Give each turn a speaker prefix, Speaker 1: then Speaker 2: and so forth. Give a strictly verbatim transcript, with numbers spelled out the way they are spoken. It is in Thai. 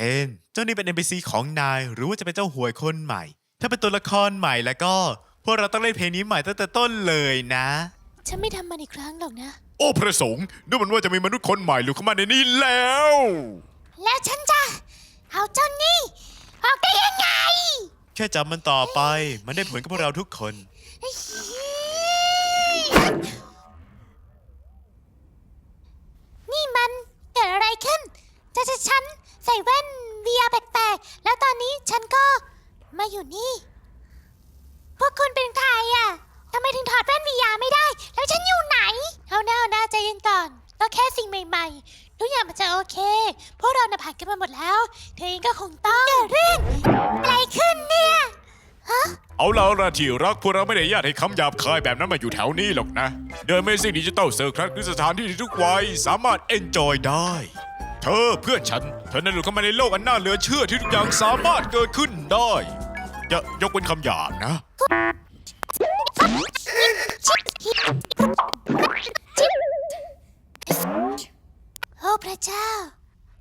Speaker 1: น เจ้านี่เป็น เอ็น พี ซี ของนายหรือว่าจะเป็นเจ้าหวยคนใหม่ ถ้าเป็นตัวละครใหม่แล้วก็พวกเราต้องเล่นเพลงนี้ใหม่ตั้งแต่ต้นเลยนะ
Speaker 2: ฉันไม่ทำมันอีกครั้งหรอกนะ
Speaker 3: โอ้พระสงฆ์ดูเหมือนว่าจะมีมนุษย์คนใหม่หลุดเข้ามาในนี้แล้ว
Speaker 2: แล้วฉันจะเอาเจ้านี่ออกได้ยังไง
Speaker 1: แค่จับมันต่อไปมันได้ผลกับพวกเราทุกคน
Speaker 2: นี่มันเกิดอะไรขึ้นจะจะฉันใส่แว่น วี อาร์ แปลกๆ แล้วตอนนี้ฉันก็มาอยู่นี่ พวกคุณเป็นใครอ่ะทำไมถึงถอดแว่น วี อาร์ ไม่ได้ แล้วฉันอยู่ไหน เอาหน้าเอาหน้าใจเย็นก่อนก็แค่สิ่งใหม่ๆ ทุกอย่างมันจะโอเค พวกเราน่ะผ่านกันมาหมดแล้ว เธอเองก็คงต้องเกิดเรื่องอะไรขึ้นเนี่ย
Speaker 3: เอาละละที่รักพวกเราไม่ได้ญาติให้คำหยาบคายแบบนั้นมาอยู่แถวนี้หรอกนะเดินไม่สิ่งดิจิตอลเซอร์ครัสคือสถานที่ที่ทุกวัยสามารถเอนจอยได้ เธอเพื่อนฉัน เธอนั้นหลุดเข้ามาในโลกอันน่าเหลือเชื่อที่ทุกอย่างสามารถเกิดขึ้นได้อย่ายกเป็นคำหยาบนะ
Speaker 2: ชิ